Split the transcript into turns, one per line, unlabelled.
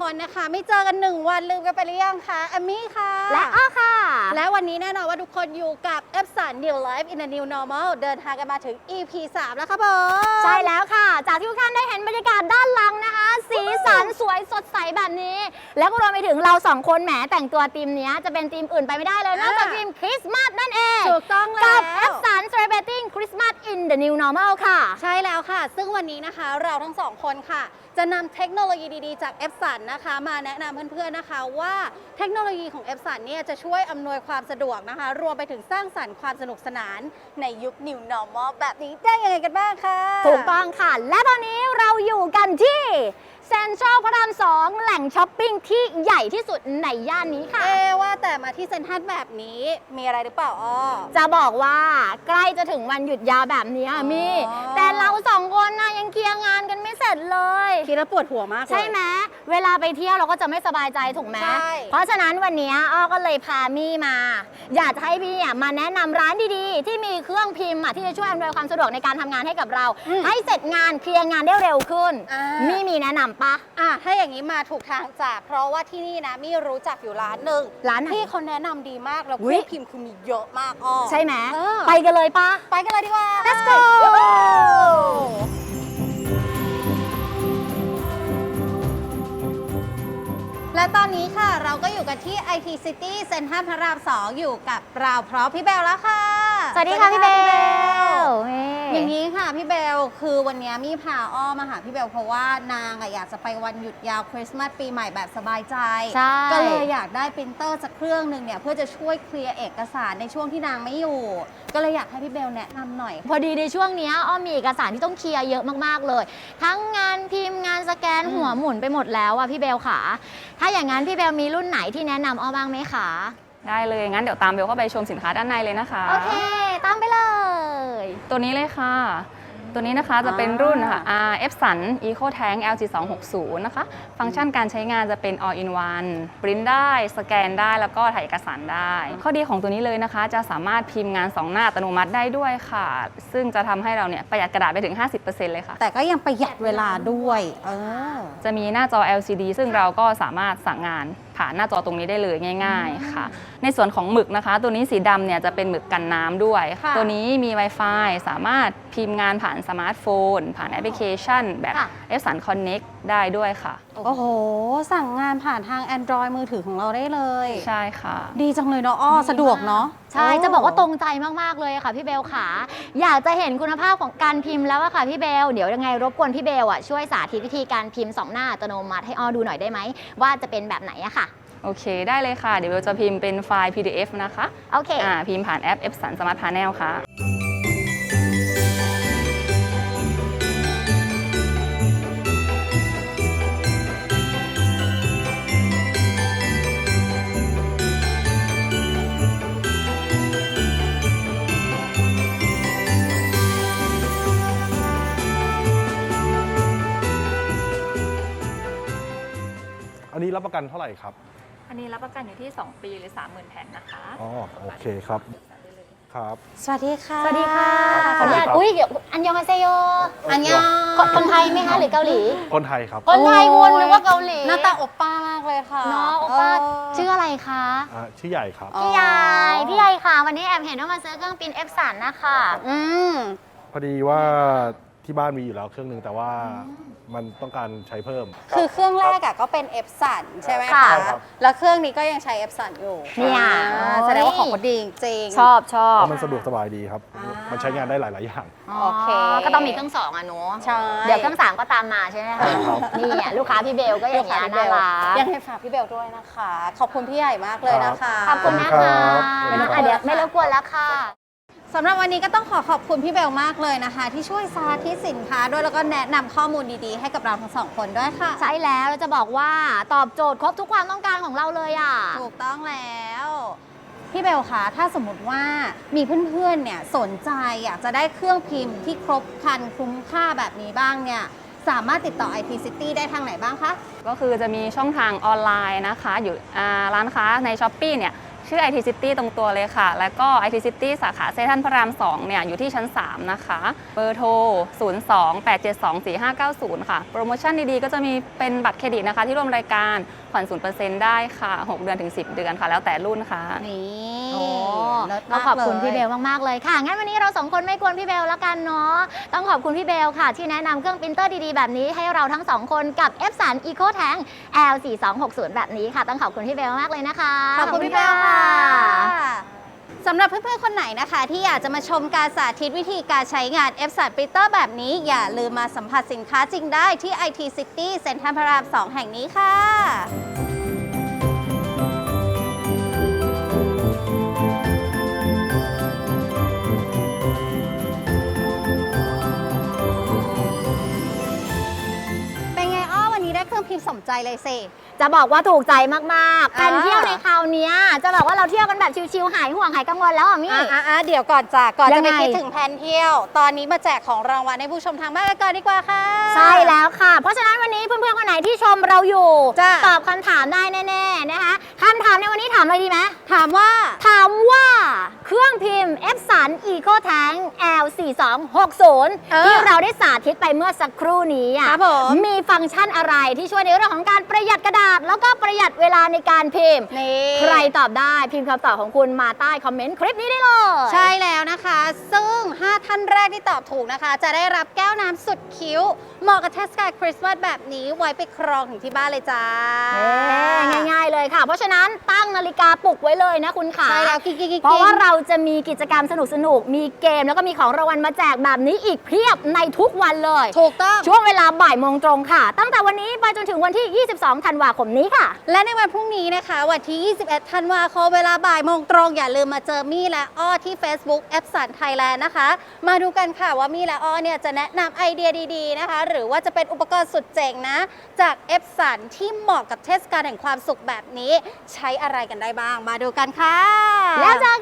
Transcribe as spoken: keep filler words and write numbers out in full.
คนนะคะไม่เจอกันหนึ่งวันลืมกันไปหรือยังคะแอมมี่ค่ะ
และอ้อค่ะ
และวันนี้แน่นอนว่าทุกคนอยู่กับ Epson New Life in a New Normal เดินทางกันมาถึง อี พี สามแล้วครับผม
ใช่แล้วค่ะจากที่ทุกท่านได้เห็นบรรยากาศด้านหลังนะคะสีสันสวยสดใสแบบนี้แล้วก็รวมไปถึงเราสองคนแหมแต่งตัวธีมนี้จะเป็นธีมอื่นไปไม่ได้เลยนอกจากธีมคริสต์มาสนั่นเอง
ถูกต้องแล้ว
กับ Epson Celebrating Christmas in the New Normal ค่ะ
ใช่แล้วค่ะซึ่งวันนี้นะคะเราทั้งสองคนค่ะจะนำเทคโนโลยีดีๆจาก Epson นะคะมาแนะนำเพื่อนๆนะคะว่าเทคโนโลยีของ Epson เนี่ยจะช่วยอำนวยความสะดวกนะคะรวมไปถึงสร้างสรรค์ความสนุกสนานในยุค New Normal แบบนี้ได้ยังไงกันบ้างคะ
ถูกต้องค่ะและตอนนี้เราอยู่กันที่เซ็นทรัลพระรามสองแหล่งช้อปปิ้งที่ใหญ่ที่สุดในย่านนี้ค่ะ
เอว่าแต่มาที่เซ็นทรัลแบบนี้มีอะไรหรือเปล่าอ้อ
จะบอกว่าใกล้จะถึงวันหยุดยาวแบบนี้มีแต่เราสองคนนะยังเคลียร์งานกันไม่เสร็จเลย
คิดแล้วปวดหัวมากเลย
ใช่ไหมเวลาไปเที่ยวเราก็จะไม่สบายใจถูกไหมเพราะฉะนั้นวันนี้อ้อก็เลยพามี่มา อยากจะให้พี่มาแนะนำร้านดีๆที่มีเครื่องพิมพ์ที่จะช่วยอำนวยความสะดวกในการทำงานให้กับเราให้เสร็จงานเคลียร์งานได้เร็วขึ้นมี่มีแนะนำปะ
อ่ะถ้าอย่างนี้มาถูกทางจ้ะเพราะว่าที่นี่นะมี่รู้จักอยู่ร้านหนึ่ง
ร้าน
ที่เขาแนะนำดีมากแล้วเครื่องพิมพ์คือมีเยอะมากอ้อ
ใช่ไหมไปกันเลยปะ
ไปกันเลยดีกว่า
let's go
และตอนนี้ค่ะเราก็อยู่กันที่ ไอ ที City เซ็นทรัลพระรามสองอยู่กับเราพร้อมพี่เบลแล้วค่ะ
สวัสดีค่ะพี่เบล
อย่างนี้ค่ะพี่เบลคือวันนี้มี่พาอ้อมาหาพี่เบลเพราะว่านางอยากจะไปวันหยุดยาวคริสต์มาสปีใหม่แบบสบายใจก็เลยอยากได้ปรินเตอร์สักเครื่องหนึ่งเนี่ยเพื่อจะช่วยเคลียร์เอกสารในช่วงที่นางไม่อยู่ก็เลยอยากให้พี่เบลแนะนำหน่อย
พอดีในช่วงนี้อ้อมีเอกสารที่ต้องเคลียร์เยอะมากๆเลยทั้งงานพิมพ์งานสแกนหัวหมุนไปหมดแล้วอ่ะพี่เบลค่ะถ้าอย่างนั้นพี่เบลมีรุ่นไหนที่แนะนำอ้อบ้างไหมคะ
ได้เลยงั้นเดี๋ยวตามเบลเข้าไปชมสินค้าด้านในเลยนะคะ
โอเคตามไปเลย
ตัวนี้เลยค่ะตัวนี้นะคะจะเป็นรุ่นค่ะ Epson EcoTank แอล จี สองหกศูนย์ นะคะฟังก์ชันการใช้งานจะเป็น all in one ปริ้นได้สแกนได้แล้วก็ถ่ายเอกสารได้ข้อดีของตัวนี้เลยนะคะจะสามารถพิมพ์งานสองหน้าอัตโนมัติได้ด้วยค่ะซึ่งจะทำให้เราเนี่ยประหยัดกระดาษไปถึง ห้าสิบเปอร์เซ็นต์ เลยค่ะ
แต่ก็ยังประหยัดเวลาด้วยเออ
จะมีหน้าจอ แอล ซี ดี ซึ่งเราก็สามารถสั่งงานผ่านหน้าจอตรงนี้ได้เลยง่ายๆค่ะในส่วนของหมึกนะคะตัวนี้สีดำเนี่ยจะเป็นหมึกกันน้ำด้วยตัวนี้มี Wi-Fi สามารถพิมพ์งานผ่านสมาร์ทโฟนผ่านแอปพลิเคชันแบบ Epson Connect ได้ด้วยค่ะ
โอ้โหสั่งงานผ่านทาง Android มือถือของเราได้เลย
ใช่ค่ะ
ดีจังเลยเนาะอ้อสะดวกเนาะ
ใช่จะบอกว่าตรงใจมากๆเลยค่ะพี่เบลค่ะอยากจะเห็นคุณภาพของการพิมพ์แล้วอะค่ะพี่เบลเดี๋ยวยังไงรบกวนพี่เบลอะช่วยสาธิตวิธีการพิมพ์สองหน้าอัตโนมัติให้อ้อดูหน่อยได้ไหมว่าจะเป็นแบบไหนอะค่ะ
โอเคได้เลยค่ะเดี๋ยวเบลจะพิมพ์เป็นไฟล์ พี ดี เอฟ นะคะ
โอเค
อ่าพิมพ์ผ่านแอป Epson Smart Panel ค่ะ
อันนี้รับประกันเท่าไหร่ครับ
อันนี้รับประกันอยู่ที่สองปีหรือ สามหมื่น แผ่นนะคะ
อ๋อโอเคครับครับ
สวัสดีค่ะ
สวัสดีค่ะขออนุญาตอุ้ยอันยองฮาเซโย
อันยอง
คนไทยไหมคะหรือเกาหลี
คนไทยครับ
คนไทยคุณหรือว่าเกาหลี
หน้าตาโอป้ามากเลยค่ะ
เนาะโอป้าชื่ออะไรคะ
ชื่อใหญ่ครับ
พี่ใหญ่พี่ใหญ่ค่ะวันนี้แอบเห็นว่ามาซื้อเครื่องพิมพ์ Epson นะคะ
อืม
พอดีว่าที่บ้านมีอยู่แล้วเครื่องนึงแต่ว่ามันต้องการใช้เพิ่ม
คือเครื่องแรกก็เป็น Epson ใช่ไหมคะแล้วเครื่องนี้ก็ยังใช้ Epson อยู่
เนี่ย
แสดงว่าของเขาดีจริง
ชอบชอบ
มันสะดวกสบายดีครับมันใช้งานได้หลายๆอย่าง
โอเคก็ต้องมีเครื่องสองอ่ะหนูเดี๋ยวเครื่องสามก็ตามมาใช่ไหมคะนี่ลูกค้าพี่เบลก็อย่างนี้น่ารัก
ยังให้ฝากพี่เบลด้วยนะคะขอบคุณพี่ใหญ่มากเลยนะคะ
ขอบคุณนะคะเดี๋ยวไม่รบกวนแล้วค่ะ
สำหรับวันนี้ก็ต้องขอขอบคุณพี่เบลมากเลยนะคะที่ช่วยสาธิตสินค้าด้วยแล้วก็แนะนำข้อมูลดีๆให้กับเราทั้งสองคนด้วยค่ะ
ใช่แล้วเราจะบอกว่าตอบโจทย์ครบทุกความต้องการของเราเลยอ่ะ
ถูกต้องแล้วพี่เบลคะถ้าสมมติว่ามีเพื่อนๆเนี่ยสนใจอยากจะได้เครื่องพิมพ์ที่ครบครันคุ้มค่าแบบนี้บ้างเนี่ยสามารถติดต่อ ไอ ที City ได้ทางไหนบ้างคะ
ก็คือจะมีช่องทางออนไลน์นะคะอยู่ร้านค้าใน Shopee เนี่ยชื่อ ไอ ที City ตรงตัวเลยค่ะ แล้วก็ ไอ ที City สาขาเซ็นทรัลพระรามสองเนี่ยอยู่ที่ชั้นสามนะคะ เบอร์โทร ศูนย์ สอง แปด เจ็ด สอง สี่ ห้า เก้า ศูนย์ ค่ะ โปรโมชั่นดีๆ ก็จะมีเป็นบัตรเครดิตนะคะ ที่ร่วมรายการผ่อน ศูนย์เปอร์เซ็นต์ ได้ค่ะ หก เดือนถึง สิบ เดือนค่ะ แล้วแต่รุ่นค่ะ
นี่
โอ้
เลิศ
ก็
มาก
ขอบคุณ
เลย
พี่เบลมากๆเลยค่ะ งั้นวันนี้เราสองคนไม่กวนพี่เบลแล้วกันเนาะ ต้องขอบคุณพี่เบลค่ะ ที่แนะนำเครื่องปรินเตอร์ดีๆแบบนี้ให้เราทั้งสองคนกับ Epson Eco Tank แอล สี่ สอง หก ศูนย์ แบบนี้ค่ะ ต้องขอบคุณพี่เบลมากเลยนะคะ
ขอบคุณพี่เบลค่ะสำหรับเพื่อนๆ คนไหนนะคะ ที่อยากจะมาชมการสาธิตวิธีการใช้งาน Epson Printer แบบนี้ อย่าลืมมาสัมผัสสินค้าจริงได้ที่ ไอ ที City เซ็นทรัลพระรามสองแห่งนี้ค่ะเป็นไงอ้อวันนี้ได้เครื่องพิมพ์สมใจเลยสิ
จะบอกว่าถูกใจมากๆ
อ่า
การเที่ยวในคราวเนี้ยจะบอกว่าเราเที่ยวกันแบบชิลๆ หายห่วงหายกังวลแล้วอ่ะมี่
อ่ะอ่ะเดี๋ยวก่อนจ้ะก่อน
ยั
จะ
ง
ไป
ไง
คิดถึงแผนเที่ยว ตอนนี้มาแจกของรางวัลให้ผู้ชมทางบ้านกันก่อนดีกว่าค่ะ
ใช่แล้วค่ะ เพราะฉะนั้นวันนี้เพื่อนๆ คนไหนที่ชมเราอยู่
จ้ะ
ตอบคำถามได้แน่ๆ นะคะคำถามในวันนี้ถามอะไรดีไหม
ถามว่า
ถามว่าเครื่องพิมพ์ Epson Eco Tank แอล สี่ สอง หก ศูนย์
เออ
ที่เราได้สาธิตไปเมื่อสักครู่นี้อ่ะ
ครับผม
มีฟังก์ชันอะไรที่ช่วยในเรื่องของการประหยัดกระดาษ แล้วก็ประหยัดเวลาในการพิมพ์
นี่
ใครตอบได้พิมพ์คำตอบของคุณมาใต้คอมเมนต์คลิปนี้ได้เลย
ใช่แล้วนะคะ ซึ่ง ห้า ท่านแรกที่ตอบถูกนะคะ จะได้รับแก้วน้ำสุดคิ้ว เหมาะกับเทศกาลคริสต์มาสแบบนี้ไว้ไปครองถึงที่บ้านเลยจ้า
เอ๊ะง่ายๆเลยค่ะ เพราะฉะนั้นตั้งนาฬิกาปลุกไว้เลยนะคุณขา
ใช่แล้วกิ๊กกิ๊กกิ๊ก
เพราะว่าเราจะมีกิจกรรมสนุกๆ มีเกมแล้วก็มีของรางวัลมาแจกแบบนี้อีกเพียบในทุกวันเลย
ถูกต้อง
ช่วงเวลาบ่ายโมงตรงค่ะ ตั้งแต่วันนี้ไปจนถึงวันที่ ยี่สิบสอง ธันวาคมนี้ค่ะ
และในวันพรุ่งนี้นะคะ วันที่ ยี่สิบเอ็ด ธันวาคมเวลาบ่ายโมงตรง อย่าลืมมาเจอมี่และอ้อที่ Facebook Epson Thailand นะคะ มาดูกันค่ะว่ามี่และอ้อเนี่ยจะแนะนำไอเดียดีๆนะคะ หรือว่าจะเป็นอุปกรณ์สุดเจ๋งนะ จาก Epson ที่เหมาะกับเทศกาลแห่งความสุขแบบนี้ ใช้อะไรกันได้บ้าง มาดูกันค่ะ
แล้วเจอ